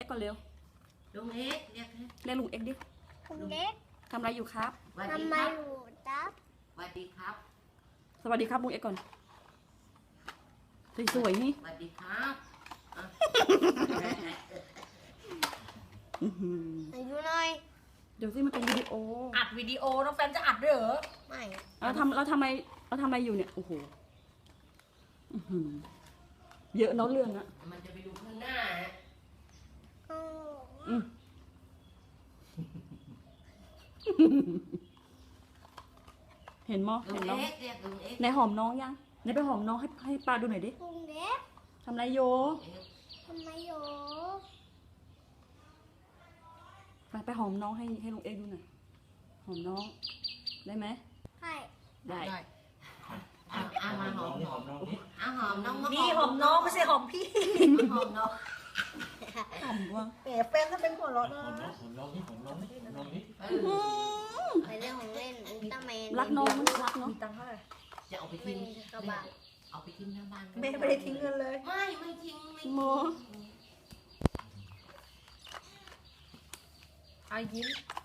ก่อนเร็วลุงเอ็กเรียกเรียกลุงเอ็กดิคุณเด็กทำอะไรอยู่ครับสวัสทำดีไมครับอยู่ตับสวัสดีครับสวัสดีครับลุงเอ็กก่อนสวยๆนี่สวัสดีครับอ่ะอื้อหืออายุหน่อยเดี๋ยวสิมันเป็นวิดีโออัดวิดีโอน้องแฟนจะอัดด้วยเหรอไม่เราทำอะไรอยู่เนี่ยโอ้โหอื้อหือเยอะเนาะเรื่องอะมันจะไปดูข้างหน้าฮะอ๋ออืมเห็นมั้ยลุเห็งนน้องเอ็กเรียกลุงเอ็กไหนหอมน้องยังไหนไปหอมน้องให้ป้าดูหน่อยดิคุณเด็กทำอะไรโยทำไมอยู่ไปหอมน้องให้ลุงเอ็กดูหน่อยหอมน้องได้ไหมใช่ได้เอามาหอมน้องเอาหอมน้องมานี่หอมน้องไม่ใช่หอมพี่หอมน้องหอมว่ะแหมแฟนถ้าเป็นหัวเราะนะเออไปเรื่องของเล่นอุลตร้าแมนรักน้องมันรักเนาะมีตังค์เท่าไหร่จะเอาไปไม่ทิ้งมีกระบะเอาไปทิ้งหน้าบ้านแม่ไม่ได้ทิ้งเงินเลยไม่ทิ้งไม่ทิ้งโมอายิ้ม